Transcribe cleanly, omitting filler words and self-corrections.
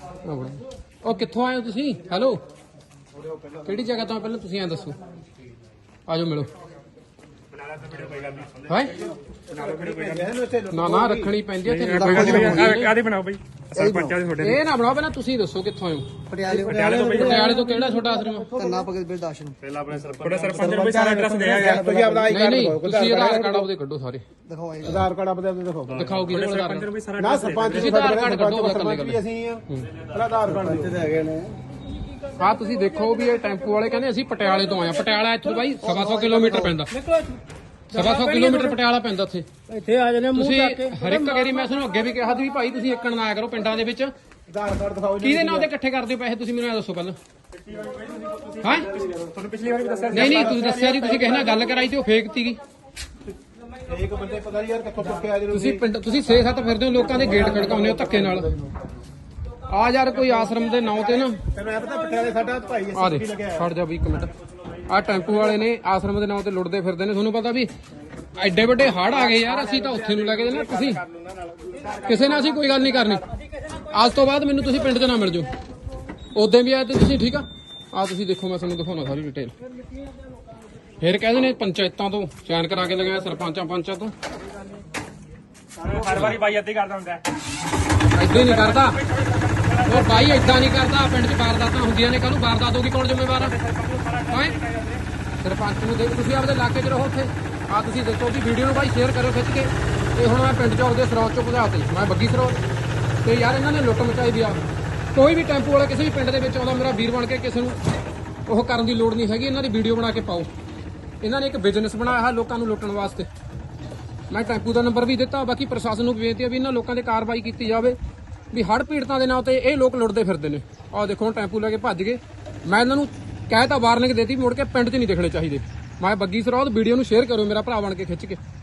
ਉਹ ਕਿੱਥੋਂ ਆਏ ਹੋ ਤੁਸੀਂ? ਹੈਲੋ, ਕਿਹੜੀ ਜਗ੍ਹਾ ਤੋਂ? ਪਹਿਲਾਂ ਤੁਸੀਂ ਐਂ ਦੱਸੋ। ਆਜੋ ਮਿਲੋ। ਹੈ ਨਾ ਰੱਖਣੀ ਪੈਂਦੀ ਆਦੇ ਬਣਾਓ ਬਈ ਸਰਪੰਚਾਂ ਦੇ ਤੁਹਾਡੇ। ਇਹ ਨਾ ਬਣਾਓ, ਪਹਿਲਾਂ ਤੁਸੀਂ ਦੱਸੋ ਕਿੱਥੋਂ ਆਏ ਹੋ? ਪਟਿਆਲੇ ਤੋਂ ਕਿਹੜਾ ਛੋਟਾ ਆਸ਼ਰਮ? ਧੰਨਾ ਭਗਤ ਬਿਰਧ ਆਸ਼ਰਮ। ਪਹਿਲਾਂ ਆਪਣੇ ਸਰਪੰਚ ਨੂੰ ਵੀ ਸਾਰਾ ਐਡਰੈਸ ਦਿਆ ਗਿਆ। ਨਹੀਂ ਤੁਸੀਂ ਆਧਾਰ ਕਾਰਡ ਆਪਦੇ ਕੱਢੋ ਸਾਰੇ। ਦਿਖਾਓ ਆਧਾਰ ਕਾਰਡ ਆਪਦੇ ਦਿਖਾਓ। ਦਿਖਾਓ ਕੀ ਸਰਪੰਚ ਨੂੰ ਵੀ ਸਾਰਾ ਨਾ ਸਰਪੰਚ ਤੁਸੀਂ ਆਧਾਰ ਕਾਰਡ ਕੱਢੋ। ਸਰਪੰਚ ਵੀ ਅਸੀਂ ਆ। ਪਹਿਲਾਂ ਆਧਾਰ ਕਾਰਡ ਦਿੱਤੇ ਹੈਗੇ ਨੇ। ਆ ਤੁਸੀਂ ਦੇਖੋ ਵੀ ਇਹ ਟੈਂਪੂ ਵਾਲੇ ਕਹਿੰਦੇ ਅਸੀਂ ਪਟਿਆਲੇ ਤੋਂ ਆਏ ਆ। ਪਟਿਆਲਾ ਇੱਥੋਂ ਬਾਈ 125 ਕਿਲੋਮੀਟਰ ਪੈਂਦਾ। 125 ਕਿਲੋਮੀਟਰ ਪਟਿਆਲਾ ਪੈਂਦਾ ਉੱਥੇ। ਇੱਥੇ ਆ ਜਨੇ ਤੁਸੀਂ ਹਰ ਇੱਕ ਵਾਰੀ ਮੈਂ ਤੁਹਾਨੂੰ ਅੱਗੇ ਵੀ ਕਿਹਾ ਸੀ ਵੀ ਭਾਈ ਤੁਸੀਂ ਏਕਣ ਨਾ ਆਇਆ ਕਰੋ ਪਿੰਡਾਂ ਦੇ ਵਿੱਚ। ਆਧਾਰ ਕਾਰਡ ਦਿਖਾਓ। ਕਿਹਦੇ ਨਾਂ ਤੇ ਇਕੱਠੇ ਕਰਦੇ ਹੋ ਪੈਸੇ? ਤੁਸੀਂ ਮੈਨੂੰ ਇਹ ਦੱਸੋ ਪਹਿਲਾਂ। ਹਾਂ ਤੁਹਾਨੂੰ ਪਿਛਲੀ ਵਾਰ ਵੀ ਦੱਸਿਆ ਨਹੀਂ ਤੁਸੀਂ ਦੱਸਿਆ ਜੀ, ਤੁਸੀਂ ਕਿਸੇ ਨਾਲ ਗੱਲ ਕਰਾਈ ਤੇ ਉਹ ਫੇਕ ਸੀਗੀ। ਇੱਕ ਬੰਦੇ ਪਤਾ ਨਹੀਂ ਯਾਰ ਕਿੱਥੋਂ ਪੁੱਛ ਕੇ ਆ ਜਦੋਂ ਤੁਸੀਂ ਪਿੰਡ ਤੁਸੀਂ 6-7 ਫਿਰਦੇ ਹੋ, ਲੋਕਾਂ ਦੇ ਗੇਟ ਖੜਕਾਉਂਦੇ ਹੋ ਧੱਕੇ ਨਾਲ। ਆ ਯਾਰ ਕੋਈ ਆਸ਼ਰਮ ਦੇ ਨਾਂ ਤੇ ਨਾ ਤੈਨੂੰ ਇਹ ਪਤਾ ਪਟਿਆਲੇ ਸਾਡਾ ਭਾਈ ਆ ਦੇ ਛੱਡ ਜਾ ਵੀ ਇੱਕ ਮਿੰਟ। ਆ ਟੈਂਪੂ ਵਾਲੇ ਨੇ ਆਸ਼ਰਮ ਦੇ ਨਾਂ ਤੇ ਲੁੱਟਦੇ ਫਿਰਦੇ ਨੇ। ਤੁਹਾਨੂੰ ਪਤਾ ਵੀ ਐਡੇ ਵੱਡੇ ਹੜ੍ਹ ਆ ਗਏ ਯਾਰ, ਅਸੀਂ ਤਾਂ ਉੱਥੇ ਨੂੰ ਲੈ ਕੇ ਜਾਣਾ। ਤੁਸੀਂ ਕਿਸੇ ਨਾਲ ਅਸੀਂ ਕੋਈ ਗੱਲ ਨਹੀਂ ਕਰਨੀ। ਅੱਜ ਤੋਂ ਬਾਅਦ ਮੈਨੂੰ ਤੁਸੀਂ ਪਿੰਡ 'ਚ ਨਾ ਮਿਲ ਜਾਓ। ਉਦੋਂ ਵੀ ਆਏ ਤੇ ਤੁਸੀਂ ਠੀਕ ਆ। ਆ ਤੁਸੀਂ ਦੇਖੋ, ਮੈਂ ਤੁਹਾਨੂੰ ਦਿਖਾਉਣਾ ਸਾਰੀ ਡਿਟੇਲ। ਫਿਰ ਕਹਿੰਦੇ ਨੇ ਪੰਚਾਇਤਾਂ ਤੋਂ ਚੈਨ ਕਰਾ ਕੇ ਲਗਾਇਆ, ਸਰਪੰਚਾਂ ਤੋਂ। ਹਰ ਵਾਰੀ ਬਾਈ ਅੱਧੀ ਕਰਦਾ ਹੁੰਦਾ। ਏਦਾਂ ਹੀ ਨਹੀਂ ਕਰਦਾ ਉਹ ਬਾਈ, ਏਦਾਂ ਨਹੀਂ ਕਰਦਾ। ਪਿੰਡ 'ਚ ਵਾਰਦਾਤਾਂ ਹੁੰਦੀਆਂ ਨੇ, ਕੱਲ੍ਹ ਵਾਰਦਾਤ ਹੋ ਗਈ ਕੌਣ ਜ਼ਿੰਮੇਵਾਰ ਆ? ਸਰਪੰਚ ਨੂੰ ਦੇਖ, ਤੁਸੀਂ ਆਪਦੇ ਇਲਾਕੇ 'ਚ ਰਹੋ ਉੱਥੇ। ਆ ਤੁਸੀਂ ਦੇਖੋ ਵੀ ਵੀਡੀਓ ਨੂੰ ਬਾਈ ਸ਼ੇਅਰ ਕਰੋ ਖਿੱਚ ਕੇ। ਤੇ ਹੁਣ ਮੈਂ ਪਿੰਡ 'ਚ ਆਪਦੇ ਸਰੋਤ 'ਚੋਂ ਭਜਾ ਤੇ ਮੈਂ ਬੱਗੀ ਸਰੋਤ ਤੇ ਯਾਰ ਇਹਨਾਂ ਨੇ ਲੁੱਟ ਮਚਾਈ ਦੀ ਆ। ਕੋਈ ਵੀ ਟੈਂਪੂ ਵਾਲਾ ਕਿਸੇ ਵੀ ਪਿੰਡ ਦੇ ਵਿੱਚ ਆਉਂਦਾ, ਮੇਰਾ ਵੀਰ ਬਣ ਕੇ ਕਿਸੇ ਨੂੰ ਉਹ ਕਰਨ ਦੀ ਲੋੜ ਨਹੀਂ ਹੈਗੀ। ਇਹਨਾਂ ਦੀ ਵੀਡੀਓ ਬਣਾ ਕੇ ਪਾਓ। ਇਹਨਾਂ ਨੇ ਇੱਕ ਬਿਜ਼ਨਸ ਬਣਾਇਆ ਹੈ ਲੋਕਾਂ ਨੂੰ ਲੁੱਟਣ ਵਾਸਤੇ। ਮੈਂ ਟੈਂਪੂ ਦਾ ਨੰਬਰ ਵੀ ਦਿੱਤਾ। ਬਾਕੀ ਪ੍ਰਸ਼ਾਸਨ ਨੂੰ ਬੇਨਤੀ ਹੈ ਵੀ ਇਹਨਾਂ ਲੋਕਾਂ ਤੇ ਕਾਰਵਾਈ ਕੀਤੀ ਜਾਵੇ ਵੀ ਹੜ੍ਹ ਪੀੜਤਾਂ ਦੇ ਨਾਂ ਤੇ ਇਹ ਲੋਕ ਲੁੱਟਦੇ ਫਿਰਦੇ ਨੇ। ਆਹ ਦੇਖੋ ਹੁਣ ਟੈਂਪੂ ਲੈ ਕੇ ਭੱਜ ਗਏ। ਮੈਂ ਇਹਨਾਂ ਨੂੰ ਕਹਿ ਤਾਂ ਵਾਰਨਿੰਗ ਦੇਤੀ, ਮੁੜ ਕੇ ਪਿੰਡ 'ਚ ਨਹੀਂ ਦਿਖਣੇ ਚਾਹੀਦੇ। ਮੈਂ ਬੱਗੀ ਸਰੋਤ, ਵੀਡੀਓ ਨੂੰ ਸ਼ੇਅਰ ਕਰੋ ਮੇਰਾ ਭਰਾ ਬਣ ਕੇ ਖਿੱਚ ਕੇ।